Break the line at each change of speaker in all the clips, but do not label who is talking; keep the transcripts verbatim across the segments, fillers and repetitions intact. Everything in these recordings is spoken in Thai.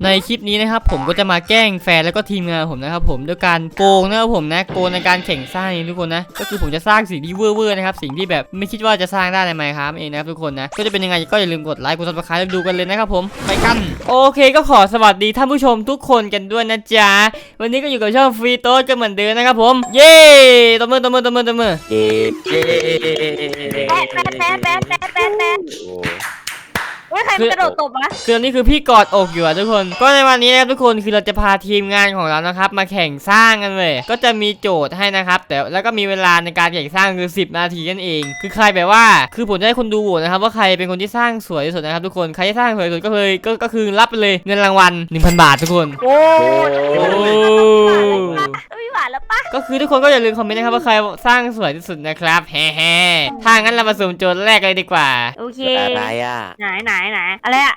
ในคลิปนี้นะครับผมก็จะมาแกล้งแฟนแล้วก็ทีมงานผมนะครับผมด้วยการโกงนะครับผมนะโกงในการแข่งสร้างนี่ทุกคนนะก็คือผมจะสร้างสิ่งที่เวอร์เวอร์นะครับสิ่งที่แบบไม่คิดว่าจะสร้างได้ในไมค์ครับเองนะครับทุกคนนะก็จะเป็นยังไงก็อย่าลืมกดไลค์กดซับสไครป์ดูกันเลยนะครับผมไปกันโอเคก็ขอสวัสดีท่านผู้ชมทุกคนกันด้วยนะจ๊ะวันนี้ก็อยู่กับช่องฟรีโต้ก็เหมือนเดิมนะครับผมเย้ตบมือตบมือตบมือตบมือ
เย้เย้
แป๊ะแป๊ะแป๊ะแป๊ะแป๊ะแป๊ะแป๊ะโอ้ยใครมันกระโดดตบวะ
คืออันนี้คือพี่กอดอกอยู่อะทุกคนก็ในวันนี้นะครับทุกคนคือเราจะพาทีมงานของเรานะครับมาแข่งสร้างกันเลยก็จะมีโจทย์ให้นะครับแต่แล้วก็มีเวลาในการแข่งสร้างคือสิบนาทีนั่นเองคือใครแบบว่าคือผมจะให้คนดูโหวตนะครับว่าใครเป็นคนที่สร้างสวยที่สุดนะครับทุกคนใครที่สร้างสวยที่สุดก็เลยก็ก็คือรับไปเลยเงินรางวัล หนึ่งพัน บาททุกคน
โอ้
โอ้
ไม่หวานแล้วปะ
ก็คือทุกคนก็อย่าลืมคอมเมนต์นะครับว่าใครสร้างสวยที่สุดนะครับแฮ่ๆถ้างั้นเรามาสุ่มโจทย์แรกเลยดีกว่า
โอเค
อะไรอ่ะ
ไหนไหนไหนอะไรอะ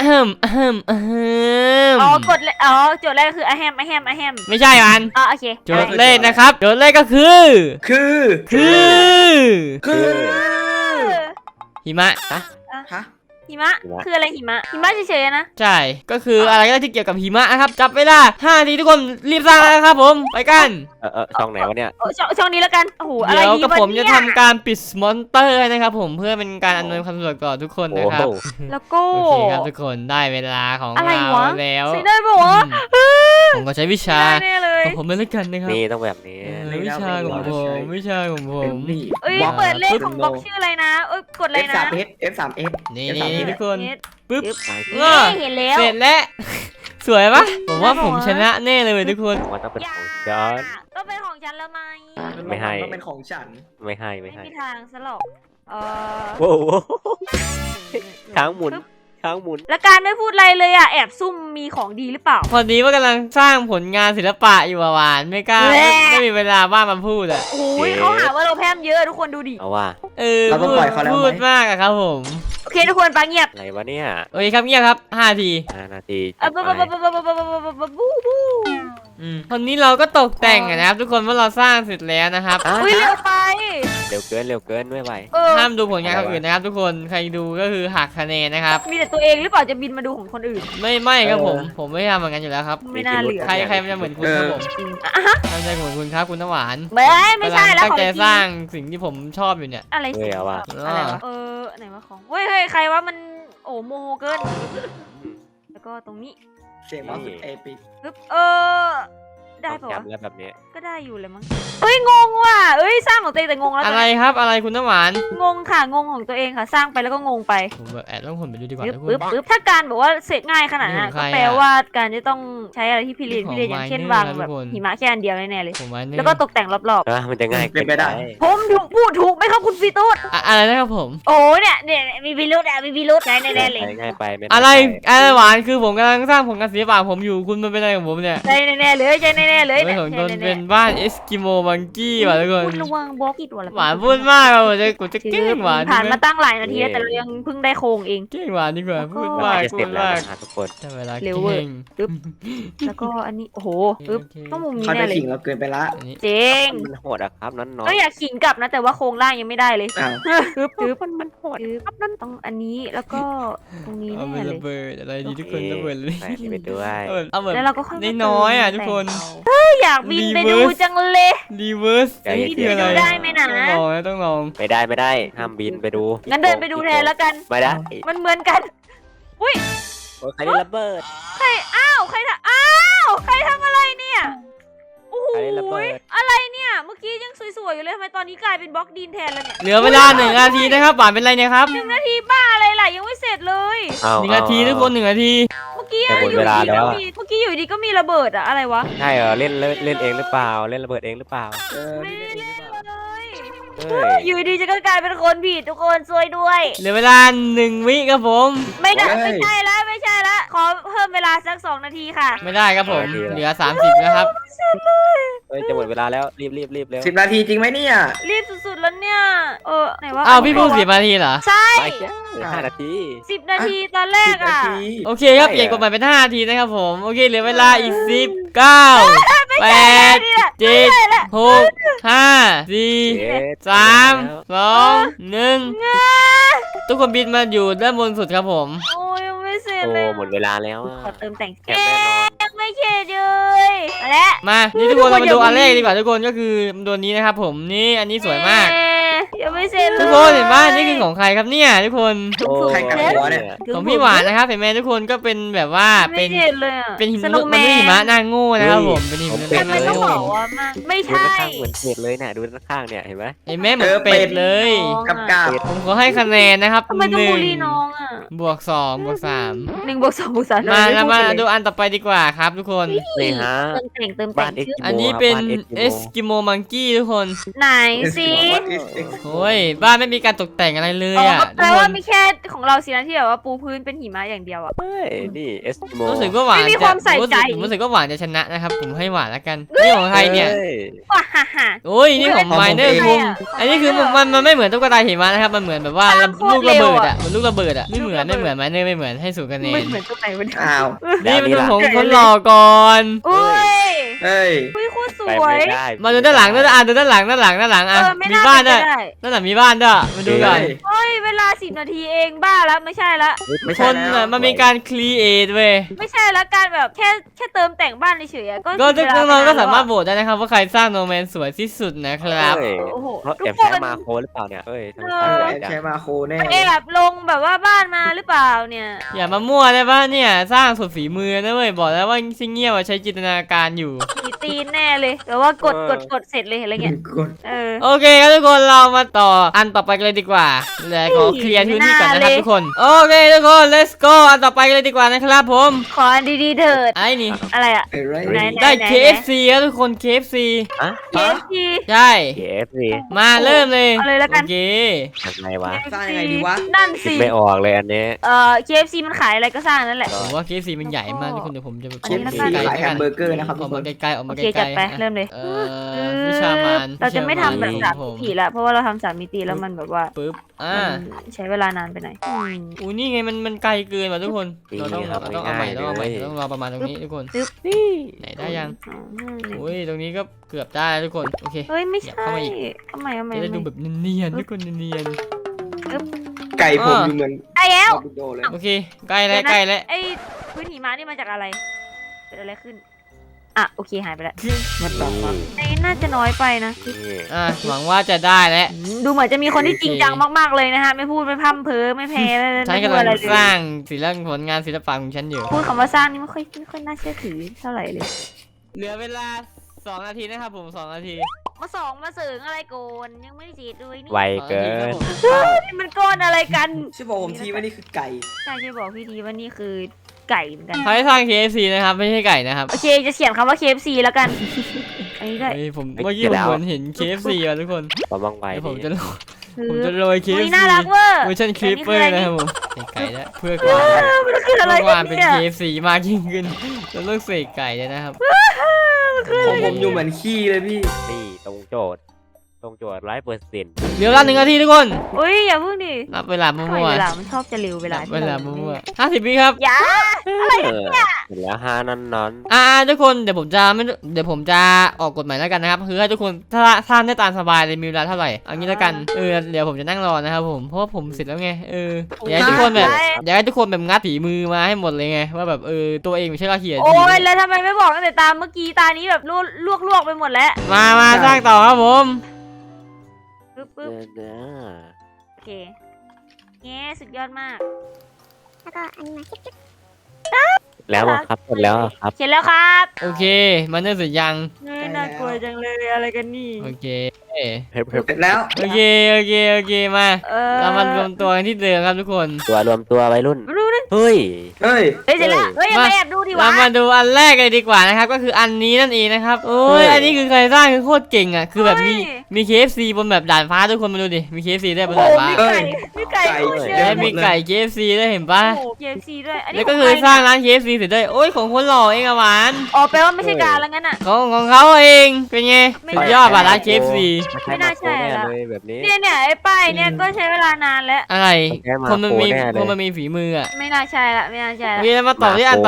อ๋
อกดเลยอ๋อโจทย์แรกคืออะแฮมอะแฮมอะแฮม
ไม่ใช่มัน
อ๋อโอเค
โจทย์แรกนะครับโจทย์แรกก็คือ
คือ
คือ
คือ
หิมะ
ฮะฮะ
หิมะคืออะไรหิมะหิมะเฉยๆนะ
ใช่ก็คืออะไรก็ได้ที่เกี่ยวกับหิมะนะครับจับเวลาห้านาทีทุกคนรีบสร้างนะครับผมไปกัน
เออเออช่องไหนวะเนี่ย
ช่องช่องนี้แล้วกันโอ้โหอะไร
เดี๋ยว
ดี
กับผมจะทำการปิดมอนเตอร์นะครับผมเพื่อเป็นการอำนวยความสะดวกต่อทุกคนนะครับ
แล้วก็
โอเคครับทุกคนได้เวลาของเราแล้ว
ใช้ได้ปะวะ
ผมก็ใช้วิชาของผมเลยกันนะครับ
นี่ต้องแบบนี้
วิชาของผมวิชาของผม
เอ้ยเปิดเลขของบล็อกชื่ออะไรนะเอ้ยกดอะไรนะ
เอฟ สาม เอส เอฟ สาม เอส
นี่นี่ทุกคนปึ๊บ
เห็นแล้ว
เสร็จแล้วสวยปะผมว่าผมชนะแน่เลยทุกคน
ว่าต้องเป็นของฉัน
ต้องเป็นของฉันแล้วไหม
ไม่ให้
ต้องเป็นของฉัน
ไม่ให้ไม่ให้
ไม่มีทางซะหรอกเออ
โอ้โหช้างหมุนช้างหมุน
แล้วการไม่พูดอะไรเลยอ่ะแอบซุ่มมีของดีหรือเปล่า
พอดีว่ากำลังสร้างผลงานศิลปะอยู่หวานไม่กล้าไม่มีเวลาบ้างมาพูดอ่ะ
โอ้ยเขาหาว่าเราแพร่มเยอะทุกคนดูดิ
เอาว่า
เออพูดมากอะครับผม
โอเคทุกคนฟังเงียบ
อะไรวะเนี่ย
โอเคครับเงียบครับห้านาที
ห้านาที
อ่ะบ๊บบ๊บบ๊บบ๊บบ๊บบ๊บบ๊บบ๊บบูบู
ตอนนี้เราก็ตกแต่งนะครับทุกคนว่าเราสร้างเสร็จแล้วนะครับ
อุ้ยเร็วไป
เร็วเกินเร็วเกินไม่ไหว
ห้ามดูผลงานคนอื่นนะครับทุกคนใครดูก็คือหักคะแนนนะครับ
มีแต่ตัวเองหรือเปล่าจะบินมาดูของคนอื่น
ไม่ไม่ครับผมผมไม่ทำเหมือนกันอยู่แล้วครับ
ไม่น่าเหลือ
ใครใครมันจะเหมือนคุณครับผมไม่ใช่เหมือนคุณครับคุณน้ำหวาน
ไม่ไม่ใช่แล้ว
ตั้งใจสร้างสิ่งที่ผมชอบอยู่เนี่ย
อะไรสิ
วะ
อะไรวะเออไหนวะของเฮ้ยเฮ้ยใครวะมันโอ้โมโหเกินแล้วก็ตรงนี้
เสียงว่าสุดเอปิก
ปึ๊บเออได้ปะวะ
แล้วแบบนี้
ก็ได้อยู่เลยมั้งเฮ้ยงงว่ะเอ้ยสร้างของตัวเองแต่งงแล้ว
อะไรครับอะไรคุณน้ำหวาน
งงค่ะงงของตัวเองค่ะสร้างไปแล้วก็งงไป
ผมแบบแอบต้องคนไปดูดีกว่า
ปึ๊บปึ๊บถ้าการบอกว่าเสร็จง่ายขนาดนั้นก็แปลว่าการจะต้องใช้อะไรที่พิเรนพิเรนอย่างเช่นวางแบบหิมะแค่อันเดียวแน่ๆเลยแล้วก็ตกแต่งรอบ
ๆมันจะง่าย
เป็นไปได้
ผมถูกพูดถูกไหมครับคุณฟีโต้
อะไรนะครับผม
โอ้เนี่ยเนี่ยมีพิรุธอะมีพิรุธแน่แน่เลย
ง่ายไป
อะไรอะไรหวานคือผมกำลังสร้างผลงานศิลปะผมอยู่คุณมันเป็นอะไรของผมเนี่ย
ใช่แน่ๆเลยใช่แน่ๆเลย
ผมโดนเป็นบ้านเอสกิโมมังกี้ว่ะทุกคน
คุณระวังบล็อกอีกตัวละ
หวานพูดมากเราจะกูจะเก่งหวาน
ผ่านมาตั้งหลายนาทีแล้วแต่เรายังเพิ่งได้โครงเอง
เก่งหวานดีกว่าพูดมากพูดมาก
ทุกคน
ใช้เวลา
เร็วเว้ยปึ๊บแล้วก็อันนี้โอ้โหปึ๊บต้องมุมนี้
แน่
เลย
ขิงเราเกินไปละ
เจ๋ง
มันโหดอะครับนั่นน้อย
ก็อยากขิงกลับนะแต่ว่าโครงล่างยังไม่ได้เลย
ปึ๊บ
ปึ๊บมันมันโหดครับนั่นต้องอันนี้แล้วก็ตรงนี้แน่เลย
ระเบิดอะไรดีทุกคนระเบิดเลย
ไปด้วย
แล้วเราก็น้อยอ่ะทุกคน
อยากบินไปดูจังเลย
รีเวิร์ส
นี่คืออะไรได้ไหมนะ
ต้องลองต้องลอง
ไม่ได้ไม่ได้ห้ามบินไปดู
งั้นเดินไปดูแทนแล้วกัน
ไม่ได้
มันเหมือนกันอุ้ย
ใครได้ระเบิด
ใครอ้าวใครทำอ้าวใครทำอะไรเนี่ยโอ้โหอะไรเนี่ยเมื่อกี้ยังสวยๆอยู่เลยทำไมตอนนี้กลายเป็นบล็อกดินแทนแล้วเนี่ย
เหลือเวลาหนึ่งนาทีนะครับหวานเป็นไรเนี่ยครับ
หนึ่งนาทีบ้าอะไรล่ะยังไม่เสร็จเลย
หนึ่งนาทีทุกคนหนึ่งนาที
เมื่อกี้อยู่ดีก็มีเมื่อกี้อยู่ดีก็มีระเบิดอะอะไรวะ
ใช่เหรอเล่นเล่นเองหรือเปล่าเล่นระเบิดเองหรือเปล่า
ไม่ได้เล่นเลยอยู่ดีจะก็กลายเป็นคนผิดทุกคนช่วยด้วย
เหลือเวลาหนึ่งวิครับผม
ไม่ได้ไม่ใช่แล้วไม่ใช่แล้วขอเพิ่มเวลาสักสองนาทีค่ะ
ไม่ได้ครับผมเหลือสามสิบนะครับ
เฮ้ยจะหมดเวลาแล้วรีบรีบรีบเร็ว
สิบนาทีจริงไหมเนี่ย
รีบสุดๆแล้วเนี่ยเออไหนวะ
อ้าวพี่พูดสิบนาทีเหรอ
ใช่
ห้านาที
สิบนาทีตอนแรกอ่ะ
โอเคครับเปลี่ยนกฎหมายเป็นห้านาทีนะครับผมโอเคเหลือเวลาอีกสิบเก้าแปดเจ็ดหกห้าสี่
เจ็ด
สามสองหนึ่งทุกคนบินมาอยู่ด้านบนสุดครับผม
โอ้ยยังไม่เสร็จ
โอ้
เลย
หมดเวลาแล้วอะ
ขอเติมแต่ง
แกะแน่นอน
ยังไม่เสร็จเลยมาแล้ว
มานี่ทุกคนเรามาดูอันแรกดีกว่าทุกคนก็คือตัวนี้นะครับผมนี่อันนี้สวยมาก
เอ๊ะยังไม่เสร็จเลย
ทุกคนเห็นไหมนี่คือของใครครับเนี่ยทุกคน
โอ้
ใครกับหัวเนี่ย
ของพี่หวานนะครับเห็นไหมทุกคนก็เป็นแบบว่า
ไม่
เป็น
เสร็จเลยอะ
เป็นหิมะ
สโน
มัน
ว์แม
ไม่ใช่หิ
น
มะหน้าโง่นะครับผมเป็นหิมะห
ทำ
น้า
ไมต้อง
โง่
บอกว่ามันไม่
ดู
ใช่
ด้านข้างเหมือนเป็ดเลยน่ะดูด้านข้างเนี่ยเห็นไหม
เห็นไหมเหมือนเป็ดเลย
กับกาบ
ผมขอให้คะแนนนะครับ
ทำไมต้อง
หนึ่
บู
ง
ลลี่น้องอ่ะ
บวกสองบวกสาม
หนึ่งบวกสองบวกสาม
มา
ไ
แล้วมา
พูด
ดู
เลย
อันต่อไปดีกว่าครับทุกคน
นี่ฮะ
เติมแต่งเติมแต่
บ้าง นเอ็ก
ชื่อ
ซ์
อันนี้เป็น
บ้าน
เอ
Eskimo
สกิโมมังกี้ทุกคน
ไหนสิ
โอ้ยบ้านไม่มีการตกแต่งอะไรเลย
อ๋อ
อ่ะ
แป
ทุ
ล
กค
ว่าน มีแค่ของเราสินะที่แบบว่าปูพื้นเป็นหิมะอย่างเดียวอ่ะ
เฮ้ยนี่เอสกิโม
รู้สึกว่าหวาน
ไม่มี
จะ
ความใส่ใจ
รู้สึกผมรู้สึกว่าหวานจะชนะนะครับผมให้หวานแล้วกันนี่ของใครเนี่ย
ว้าฮ่าฮ่า
โอ้ยนี่ของ
ของผม
ไมเนอร์
เอง
คุงอันนี้คือมันมันไม่เหมือนตุ๊กตาหิมะนะครับมันเหมือนแบบว่า
สร้างโคตร
ลูกระเบิด
เร็ว
อ่ะ
อะ
มันลูกระเบิดอ่ะไม่เหมือนไม่เหมือนไมเนอร์ไม่เหมือนให้สูงคะแน
ไม่
น
เหมือนตัวไหนวะเนี่ย
อ้าว
นี่มัน
นี่
ดู
ล่ะ
ของคนหล่อก่อน
อุ้ย
เฮ้ย
อุ้ยโคตรส
ไป
วย
ไม่ได้
มาดูด้านหลังด้านอ่ะดูด้านหลังด้านหลังด้านหลัง
เอ
อ่ะ
อไม่
มี
น่า
บ้าน
เป็
ด้วย
นไปได้
ด้านหลังมีบ้านด้วยมาดูกัน
เฮ้ยเวลาสิบนาทีเองบ้าแล้วไม่ใช่ละ
ไม่
ค
ใช่
น
แล้ว
อ่ะมันมีการครีเอทเว้ย
ไม่ใช่ละการแบบแค่แค่เติมแต่งบ้านเฉยๆอะก็
ก็ทุก
เวล
น้องๆก็สามารถ
ไป
โหวตได้นะครับว่าใครสร้างโนแมนสวยที่สุดนะครับ
เฮ้ย
โอ้โห
เพราะ
ทุ
แอก บ
ค
ใช้
น
มาโคหรือเปล่าเนี่ยเฮ้ยทำไม
เอ
สร้าง
อ
ไว
แอบ
จัง
ใช้มาโคแน่
ไปแอบลงแบบว่าบ้านมาหรือเปล่าเนี่ย
อย่ามามั่วได้ปะเนี่ยสร้างสุดฝีมือนะเว้ยบอกแล้วว่าซิงเงียบอะใช้จินตนาการอยู่
มีตีนแน่เลยแต่ว่ากดกดกดเสร็จเลยอะไรเงี้ย
กด
เออ
โอเคครับทุกคนเรามาต่ออันต่อไปกันเลยดีกว่าเลยขอเคลียร์พื้นที่ก่อนนะครับ
ไม่น่าเลย
ทุกคนโอเคทุกคน let's go อันต่อไปกันเลยดีกว่านะครับผม
ขออันดีๆเถิด
ไอ้นี่
อะไรอะ
เอ้ยไร
ไหน
ได้ เค เอฟ ซี ครับทุกคน เค เอฟ ซี
ฮะ
เคฟซี
ใช่
เคเอฟซี
มาเริ่มเลย
เอาเลยแล้วกัน
โอเค
ทำไงวะ
สร้างยังไงดีวะ
นั่น
คิด
สิ
ไม่ออกเลยอันนี้
เอ่อ เค เอฟ ซี มันขายอะไรก็สร้างนั่นแหละ
ผมว่า เค เอฟ ซี มันใหญ่มากทุกคนเดี๋ยวผมจะ
อันนี้ละกัน
ไกล
ขาย
ๆ
แฮมเบอร์เกอร์นะครับ
อ
ทุ
อก ก
ค
มาน ไกลๆออก
โอ
มาไก
เค
ล
จัดไป
ๆ
เริ่มเลย
เอ่อวิชามาน
เราจะไม่ทำแบบสาม
ผ
มิติละเพราะว่าเราทำสามมิติแล้วมันแบบว่า
ปึ๊บอ่า
มันใช้เวลานานไปหน่อยอืม
อู้นี่ไงมันมันไกลเกินว่ะทุกคนเราต้อง
นี่ครับ
เราต้องเอาใหม่
ง่ายๆ
ต้องเอาใหม่
เลย
ต้องรอประมาณตรงนี้ทุกคน
นี่
ไหนได้ยัง
อ๋อนี่
อุ้ยตรงนี้ก็เกือบได้แล้วทุกคนโอเค
เฮ้ยไม่
อยาก
ใช่
เข้ามาอีก
เอาใหม่เอาใหม่
จะได้
เอาให
ดู
ม่
แบบเนียนๆทุกคนเนียน
ไก่ผมอยู่เหมือน
ไอ้แล้ว
ดูโดเลย
ๆโอเคใกล้แล้วใกล้แล้ว
ไอ้พื้นหิมะนี่มาจากอะไรเกิดอะไรขึ้นอ่ะโอเคหายไปแล้ว
มาต่อมา
ไอ้น่าจะน้อยไปนะ
นี่
อ่ะหวังว่าจะได้แล้ว
อืมดูเหมือนจะมีคนที่จริงจังมากๆเลยนะฮะไม่พูดไม่พร่ำเพ้อไม่แพ้ไม่
ฉัน
ไม่
กำ
พูด
ลัง
อะไรเล
สร้าย งศิลปผลงานศิลปะของฉันอยู่
พูดคำว่าสร้างนี่ไม่ค่อยไม่ค่อยน่าเชื่อถือเท่าไหร่เลย
เหลือเวลาสองนาทีนะครับผมสองนาที
มาสองมาเสริงอะไรโกนยังไม่ได้จีดเลยนี่
ไวเกิน
นี่มันก้อนอะไรกัน
ช่วยบอกผมทีว่านี่คือไก่
ใช่ช่วยบอกพี่ทีว่านี่คือไก่เหมือนกัน
ใครสร้าง เค เอฟ ซี นะครับไม่ใช่ไก่นะครับ
โอเคจะเขียนคำว่า เค เอฟ ซี แล้วกันอันนี้ด้วย
เฮ้ยผม
ไม่
เมื่อกี้
เกี่
ผ
ยว
ม
แล้ว
เหมือนเห็น เค เอฟ ซี อ่ะทุกคน
ความว่องไว
เดี๋ยวผม
ดี
จะโรย
คือ
ผมจะโรย เค เอ
อุ๊
ฟ
ย
ซี
น่ารักเวอร์
เวอร์ชันคลิปเปอร์นะครับผมใส่ไก่แล้วเพื่อค
เอ
วาม
อมันคืออะไร
เพื่อค
กั
วาม
น
เป็น
เนี่ย
เค เอฟ ซี มากยิ่งขึ้นเราต้องเสกไก่เลยนะครับ
ของผมอยู่เหมือนขี้เลยพี่
นี่ตรงโจทย์ ตรงโจทย์ร้อยเปอร์เซ็นต์
เหลือเวลาหนึ่งนาทีทุกคน
อุ้ยอย่าเพิ่งดิ
นับเวลา
ทำไม
มั่ว
เวลามันชอบจะเร็วเว
ๆ
ลา
นับ
ที่
เวลา
เรา
มั่วๆห้าสิบวิครับ
อย่า
เออเสร็จแล้วฮานั้นนอน
อ่าทุกคนเดี๋ยวผมจะไม่เดี๋ยวผมจะออกกฎหมายแล้วกันนะครับคือให้ทุกคนถ้าสร้างได้ตามสบายเลยมีเวลาเท่าไหร่เอางี้แล้วกันเออเดี๋ยวผมจะนั่งรอนะครับผมเพราะว่าผมเสร็จแล้วไงเอออยากให้ทุกคนแบบอยากให้ทุกคนแบบงัดฝีมือมาให้หมดเลยไงว่าแบบเออตัวเองไม่ใช่เราเขียน
โอ้ยแล้วทำไมไม่บอกตั้งแต่ตามเมื่อกี้ตานี้แบบลวกลวกลวกไปหมดแล้ว
มามาสร้างต่อครับผม
ปึ๊บปึ๊บ
เออ
โอเคเงี้สุดยอดมาก
แล้วก็อันนี้มาจิ๊บจิ๊บ
แล้วอะครับเสร็จแล้วอะครับ
เขียนแล้วครับ
โอเคมันเริ่มเสร็จยัง
เฮ้ยน่ากลัวจังเลยอะไรกันนี่
โอเค
เพิ่มเพิ่ม
เสร็จแล้ว
โอเคโอเคโอเคมา
เออ
เรามารวมตัวกันที่เดิมครับทุกคน
ตัวรวมตัววัยรุ่น
รู้นะ
เฮ้ย
เฮ้ย
เฮ้ยเสร็จแล้วเฮ้ยอย่า
มา
ไปแอบดูดิ
เรา
วะ
มาดูอันแรกเลยดีกว่านะครับก็คืออันนี้นั่นเองนะครับโอ้ยอันนี้คือใครสร้างคือโคตรเก่งอ่ะคือแบบมีมี เค เอฟ ซี บนแบบด่านฟ้าทุกคนมาดูดิมี เค เอฟ ซี ได้บน
โอ้
ด่าน
โห
ฟ้า
มีไก่มีไก่
ไก่
โคตรเย
แล้
อะ
วมีไก่ เค เอฟ ซี ด้วยเห็นปะ
โอ้โห เค เอฟ ซี ด้วยอันนี้
แล้วก็คือสร้างร้าน เค เอฟ ซี เสร็จด้วยโอ้ยของคนหล่อเองอะหวาน
อ๋อแปลว่าไม่ใช่การแล้วงั้นอ่ะ
ของของเขาเองเป็นไง
ไม่
สุดยอดป่ะร้าน เค เอฟ ซี
ไม่น่าใช่
แน่
ละ
เลยแบบนี้
เนี่ยเนี่ยไอ้ป้ายเนี่ยก็ใช้เวลานานแล้ว
อะไร
แค่มา
คนมันมี
โปรแน่เลย
คนมันมีฝีมืออ่ะ
ไม่น่าใช่ละไม่น่าใช่
โอ
ละ
เคแล้วมาต่อที่อันต่อไปด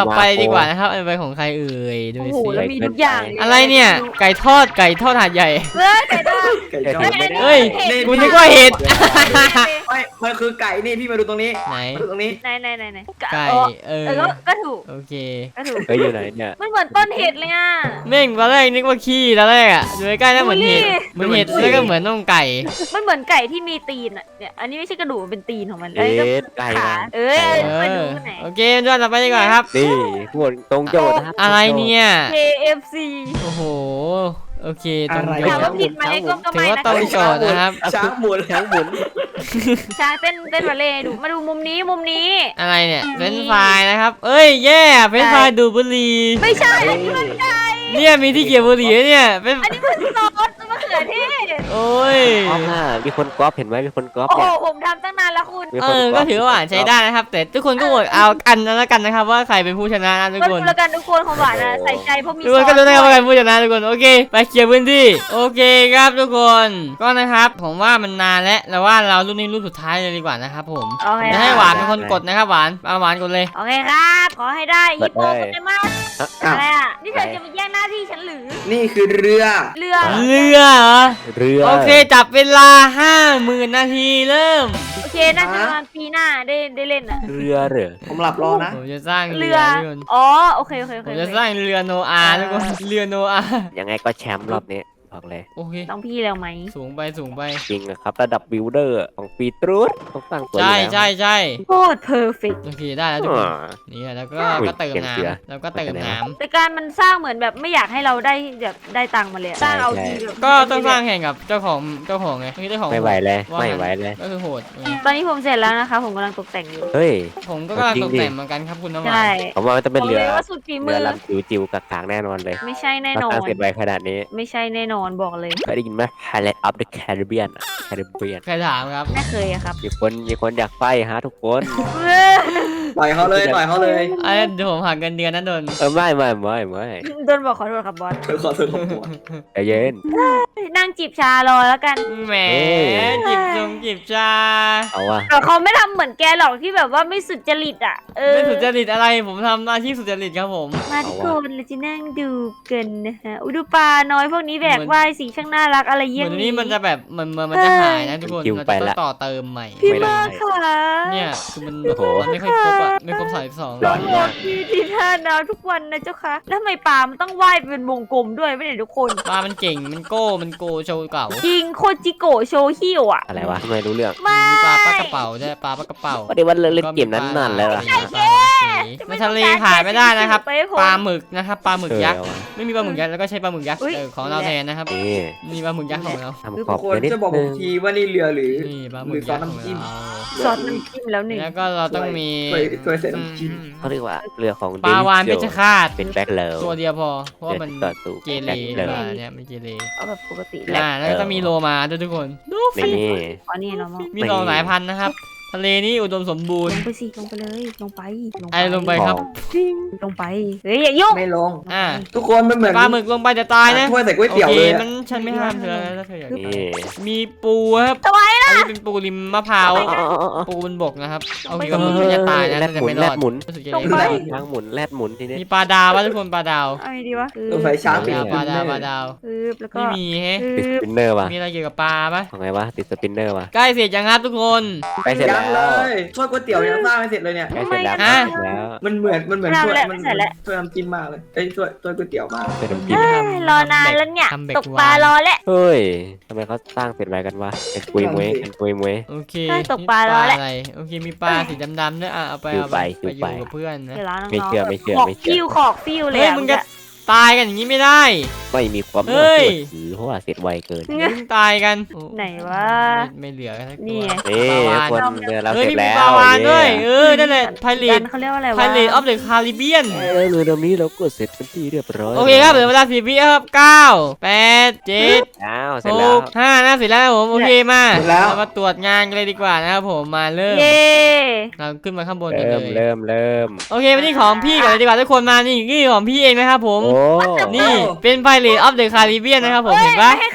ดีกว่านะครับอันไปของใครเอ่ยดู
โอ้โห
สิ
แล้วมีทุกอย่างล
อะไรเนี่ยไก่ทอดไก่ทอดหาดใหญ่
เฮ้ยไก่ทอด
ไก่ทอด
เฮ้ยกูนึกว่าเห็ด
ไม่มันคือไก่นี่พี่มาดูตรงนี้
ไหน
มาดูตรงนี้
ไหนไหนไหนไหน
ไก่
เออ
เอ
เอ
อ
อก็ก็ถูก
โอเค
ก็ถูก
เฮ้ยอยู่ไหนเนี่ย
มันเหมือนต้นเห็ดเลยอ่ะ
เม่งตอนแรกนึกว่าขี้ตอนแรกอ่ะดูใกล้ๆน่าเหมือนเห็ดเหมือนเห็ดแล้วก็เหมือนน่องไก่
มันเหมือนไก่ที่มีตีนอ่ะเนี่ยอันนี้ไม่ใช่กระดูกมันเป็นตีนของมัน
เอ๊
แล้วก็
ะไก่
ขา
นะ
เอ้ย
เอ
ไปดู
อ
ไหน
โอเคย้อนต่อไปดีกว่าครับ
นี่พวกตรงโจทย์นะ
อะไรเนี่ย
เค เอฟ ซี
โอ้โหโอเคตรง
อะไร
โจ
ถาม
ท
ว่า
ย์
ผิดไหมก็ก็
ถือ
ไม่
ว่า
นะ
ตรงโจทย์นะครับ
ช้างหมุน
ช้างหมุน
ใช่เต้นเต้นบัลเล่ต์ให้ดูมาดูมุมนี้มุมนี้
อะไรเนี่ยเฟรนช์ฟรายนะครับเอ้ยแย่เฟรนช์ฟรายดูดบุหรี่
ไม่ใช่อันนี้มันไก่
เนี่ยมีที่เก็บบุหรี่ด้วยเนี่ยเป็น
อันนี้มันซอสมะเขือเทศ
โอ้ย
ก๊อฟน่ะมีคนก๊อฟเห็นไหมมีคนก๊อฟ
โอ้โห
เนี่ย
ผมทำตั้งนานแล้วคุณ
มี
เอ
คน
อ
ก๊
ก็
อฟ
ถือว่าหวานใช้ได้นะครับ แต่ทุกคนก็โหวตเอากันแล้วกันนะครับว่าใครเป็นผู้ชนะนะทุก
ก็
ค
ดู
น
แล้วกันทุกคนของหวานนะใส่ใจเพราะมี
ทุก
ซ
ค
อน ส
ก็รู้นะครับว่าใคร
ด้วย
เป็นผู้ชนะทุกคนโอเค ไปเคลียร์พื้นที่โอเคครับทุกคนก็นะครับผมว่ามันนานแล้วแต่ว่าเรารุ่นนี้รุ่นสุดท้ายเลยดีกว่านะครับผม
โอเค
จะให้หวานเป็นคนกดนะครับหวานเอาหวานกดเลย
โอเคครับขอให้ได้ฮิปโปโปเกมอน
อ่ะ
อะไรอ่ะนี่เธอจะมาแย่งหน้าที่ฉันหรือ
นี่คือเรือ
เรือ
เรือเหรอ
เรือ
โอเคจับเวลาห้าหมื่นนาทีเริ่ม
โอเคน่าจะประมาณปีหน้าได้ได้เล่นอ่ะ
เรือเหรอ
ผมหลับรอนะ
ผมจะสร้างเรื
เรือ อ
ทุกคน
อ๋อโอเคโอเคโอ
ผ
เค
มจะสร้างเรือโนอาห์ทุกคนเรือโนอาห์
ยังไงก็แชมป์รอบนี้บอกเลย
โอเค
ต้องพี่แล้วไหม
สูงไปสูงไป
จริงนะครับ ระดับบิลดเออร์ของปีตรูดต้องตั้งตัว
ใช่
อยู่แล้ว
ใช่ใช่
โคตรเพอร์เฟกต์
โอเคได้แล้วทุกคน
อ่า
นี่แล้วก็
อุ้ย
ก็เติม
เสียงเสือ
น้ำแล้วก็เติมน้
แต่การมันสร้างเหมือนแบบไม่อยากให้เราได้แบบได้ตังค์มาเลยอะสร้างเอาทีแบบ
ำก็ต้องสร้างแข่งกับเจ้าของเจ้าของไงเมื่อกี้เจ้าของ
ไม่ไหวเลย
ว่า
ไม่
งั้น
ไหวเลย
ก็คือโหดไง
ตอนนี้ผมเสร็จแล้วนะคะผมกำลังตกแต่งอยู่
เฮ้ย
ผมก็กำลัง
จริง
ตก
ดิ
แต่งเหมือนกันครับคุณน้ำหวา
ใช่
น
ผมว่ามันจะเป็น
บอก
เรื
เล
อย
ว่าสุดฝีมื
เรือ
อ
ลำจิ๋วๆกากางแน่นอนเลย
ไม่ใช่แน่นอ
ถ้าน ตั้งเสร็จไวขนาดนี้
ไม่ใช่แน่นอนบอกเลย
เคยได้ยินไหม Pirates of the Caribbean อะ Caribbean
ใครถามครับ
ไม่เคยอะครับ
มีคนมีคนอยากไฟฮะทุกคน
ต่อยเขาเลยต่อยเขาเลย
ไอ้เดี๋ยวผมหักเงินเดือนนะโดน
เออไม่ไม่ไม่ไม่
โดนบอกขอโทษครับบอส
เธอขอโทษผมก่อน
ใจเย็น
นั่งจีบชารอแล้วกัน
แหม
เอ้ย
จิบจงจิบชา
เอาว่ะ
แต่เขาไม่ทำเหมือนแกหรอกที่แบบว่าไม่สุจริตอ่ะเออ
ไม่สุจริตอะไรผมทำอาชีพสุจริตครับผม
มาทุกคนเราจะนั่งดูกันนะฮะอุยดูปลาน้อยพวกนี้แบกว่ายสีช่างน่ารักอะไร
เห
เยี่
มื
ย
อน
ง
นี้มันจะแบบเหมือนเหมือนมันจะหายนะทุกคนเราจะต้องต่อเติมใหม่
พี่
ไม่ได้
มากค่ะ
เนี่ยคือมัน
โอ้โห
มันไม่ค่อยครบอ่ะไม่ครบสามสิบสอง
ร้อนมาก
พี่ที่ท่าน้ำทุกวันนะเจ้าคะแล้วทำไมปลามันต้องว่ายเป็นวงกลมด้วยไม่เนี่ยทุกคน
ปลามันเก่งมันโก้มันโกโชว์เก่า
จริงโคจิโกะโชฮิวอ่ะ
อะไรวะทำไมรู้เรื่อง
ไม่
มีปลาปลากระเป๋าด้วยปลาปลากระเป๋า
ก็ได้ว่าเล่นเกมนั้นนานแล้วล่ะ
ในทะเลขายไม่ได้นะครับปลาหมึกนะครับปลาหมึกยักษ์
เออ
ไม่มีปลาหมึกยักษ์แล้วก็ใช้ปลาหมึกยักษ์เออของเราแทนนะครับ
นี่
นี่ปลาหมึกยักษ์ของเรา
ทำ
คือ
ขอบ
คน
เดี๋ยวนิด
จะบอกผ
นึ
ม
ง
ทีว่านี่เรือหรือ
นี่ปลาหมึ
หรื
ก
อซอ
ยั
ส
กษ์ของ
น้ำจิ้ม
เรา
ซอสน้ำจิ้มแล้วหนึ่ง
แล้วก็เราต้องมี
ถ้วยถ้วยใส่น้ำจิ้ม
เขาเรียกว่าเรือของ
ปลาวานเพชรฆาต
เป็นแบ็คเลว
ตัวเดียวพอเพราะว่ามัน
ต่อตู้
เกเร
แบ็คเล
ป
ว
ลาเนี่ยมันเกเร
เอาแบบปกติ
แล้
อ่าแล้วก็ต้องมีโลมาด้วยทุกคนดู
ใน
สิ
นี่
อ๋อนี่เรามอง
มีสองสายพันธุ์นะครับ ทะเลนี่อุดมสมบูร
ล
ณ์
งไปสิลงไปเลยลงไป
ไอ้ลงไปครับ
ลงไปเฮ้ยอย่ายุ่ง
ไม่ลง
อ่า
ทุกคนมันเหมือน
ปลาหมึกลงไปจะตายนะ
ถ้วยใส่ก๋วย
โอ
เตี๋ยว
เค
เลยอะ
มันฉันไม่ห้ามเธอแล้วถ้าเธออยาก
นี่
มีปูครับ
ทำไม
อันนี้เป็นปูริมมะพร้าว ปูบนบกนะครับโอเคก็มันจะตายนะ
แรด
แต่
หมุน
ไม่ร
แร
อ
ด
ด
หมุน
รู้สึกจะ
ลง
เล่น
ไป
ช้างหมุนแรดหมุนทีนี้
มีปลาดาววะทุกคนปลาดาว
เอาไงดีวะ
ตัวไฟช้าง
ป
ปิด
ลาปลาดาวปลาดาว
ปึ๊บแล้วก็
ไม่มีแฮะ
ติดส
ปึ๊บ
ปินเนอร์ว่ะ
มีอะไรเกี่ยวกับปลาปะ
ของไงวะติดสปินเนอร์ว่ะ
ใกล้เสร็จยังครับทุกคน
ใกล้เสร็จ
ยั
แล้
ง
ว
เลยถ้วยก๋วยเตี๋ยวยังสร้างไม่เสร็จเลยเนี่ย
ใกล้เสร็จแล้ว
ฮะ
ใกล้เสร็จแล้ว
มันเหมือนมันเหมือน
ไม่
ถ้วย
ทำแล้ว
มัน
ไม่ใส่แล้ว
ถ้วยน้ำจิ้มมากเลยเอ้ยถ้วยถ้วยก๋วยเตี๋ยวมาก
เป็นน้ำจิ้ม
เอ้ยรอนานแล้วเนี่ย
ทำเบร
ตกปลารอแล้ว
เฮ้ยทำไมเขาสร้างเสร็จไวกันวะเป็นปุยมวยเป็นปุยมวย
โอเค
ได้ตกปลาแล้วแหละ
อะไรโอเคมีปลาสีดำๆด้วยอ่ะเอาไปเอาไป
อยู่
ไป
ไป
อยู่กับเพื่อนนะ
เดี๋ยวร้านน้องๆ
ไม่เชื่อไม่เชื่อ
ขอก
ไม่เชื่อ
ฟิวขอกฟิวเลย
เฮ้ย
อะ
มึงจะตายกันอย่างนี้ไม่ได้
ไม่มีความ
เฮ้
น่าย เชื่อถือเพราะว่าเสร็จไวเกิน
มึงตายกันโอ้
ไหนวะ
ไม่ไม่เหลือกันสัก
นี่
ตัว
ไง
นี่
ปลาวาฬ
คนเรือเรา
เฮ้ย
เสร็จ
มี
แล้ว
ปลาวานด้วย
เ
เออนั่นแหละไพเร
กั
ต
นเขาเรียกว่าอะไรวะ
ไพเรตออฟเดอะคาริเบียน
เออเรือลำนี้เราก็เสร็จเป็นที่เรียบร้อย
โอเคครับเหลือเวลาสี่วิครับเก้าแปดเจ็ด
อ้าวเสร็
ห
จแล้ว
กห้านะเสร็จแล้วครับผมโอเคมา
เสร็จแล้ว
เรามาตรวจงานกันเลยดีกว่านะครับผมมาเริ่ม
เย้
เราขึ้นมาข้างบนกัน
เริ่ม
เลย
เริ่มเริ่ม
โอเควันนี้ของพี่ก่อนเลยดีกว่าทุกคนมานี่นี่ของพี่เองนะครับผม
โอ้
นี่เป็นไพเรตออฟเดอะคาริเบียนนะครับผม
เฮ้ย
เห็นปะ
ไม่ให้ใคร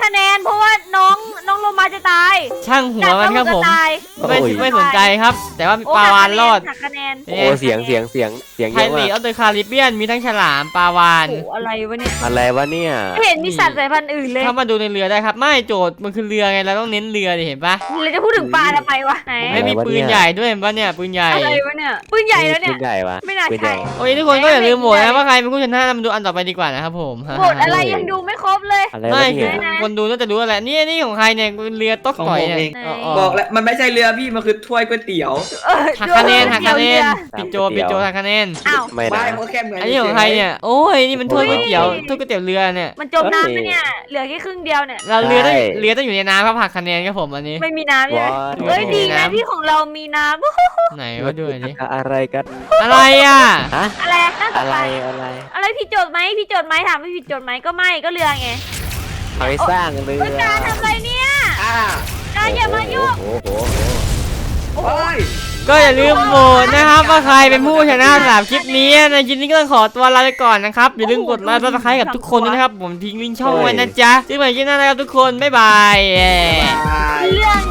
คะแนน เพราะว่าน้องน้องโลมาจะตาย
ช่างหัวมันครับผม
กัดแล้วนจะตาย
ไม่
โอ้ย
ไม่สนใจครับ แต่ว่า
โอ้
ปลาวานรอด
หักคะแนน
โอ้เสียงเสียงเสียงเสียง
ไท
เยอะ
ลี
มาก
ออฟเดอะคาริเบียนมีทั้งฉลามปลาวาน
โอ้โหอะไรวะเนี่ย
อะไรวะเนี่ย
ไม่เห็นมีสัตว์สายพันธุ์อื่นเลย
เข้ามาดูในเรือได้ครับ ไม่โจทย์มันคือเรือไงเราต้องเน้นเรือดิเห็นปะ
เราจะพูดถึงปลาทำไมวะไหน
ไม่มีปืนใหญ่ด้วยเห็นปะเนี่ยปืนใหญ่
อะไรวะเนี่ยปืนใหญ่แล้วเนี่ย
ปืนใหญ่วะ
ไม่น่า
ปืน
ใช่
ญ่
โอ้ยทุกคนก็อย่าลืมโหวตนะว่าใครเป็นผู้ชนะเรามาดูอันต่อไปดีกว่านะครับผม
โหมดอะไรยังดูไม่ครบเลย
อะไร
ไม่
วะ
คื
เนี่
อย คนดูน่าจะรู้อะไรนี่นี่ของใครเนี่ยเรือต๊อกต่อยเนี่ย
ไหน
อ๋ออ๋อ
บอกแล้วมันไม่ใช่เรือพี่มันคือถ้วยก๋วยเตี๋ยว
เออ
หักคะแนนหักคะแนน
ดี๋ยว
ปิดโจปิดโจหักคะแนน
อ้าว
ไม่
ไม่
นะ
มันก็แค่เหมือน
อันนี้ของใครเนี่ยโอ้ยนี่มันถ้วยก๋วยเตี๋ยวถ้วยก๋วยเตี๋ยวเรือเนี่ย
มันจมน้ำไหมเนี่ยเหลือแค่ครึ่งเดียวเนี่ย
เราเรือต้องเรือต้องอยู่ในน้ำครับหักคะแนนครับผมอันนี้
ไม่มีน้ำใช่ไหม
ว้า
เอ้ยดีนะ
น้ำ
ที่ของเรามีน้ำ
ไหนวะด้วยนี่
อะไรกัน
อะไรอ่ะ
ฮะ
อะไรน่าส
อะ
น
ไร
ใจ
อะไร
อะไรผิดโจทย์ไหมผิดโจทย์ไหมถามไม่ผิดโจทย์ไหมก็ไม่ก็เรือไง
เอาไปสร้างเรือ
เฮ้ยการทำอะไรเนี่ย
อ่า
การอย่ามายุ่ง
โอ้โห
โอ้ย
ก็อย่าลืมโหวตนะครับว่าใครเป็นผู้ชนะสำหรับคลิปนี้ในคลิปนี้ก็ต้องขอตัวลาไปก่อนนะครับอย่าลืมกดไลค์ซับสไครต์กับทุกคนด้วยนะครับผมทิ้งลิงก์ช่องไว้นะจ๊ะซึ่งใหม่คลิปหน้านะครับทุกคนบ๊ายบาย
เรื่อง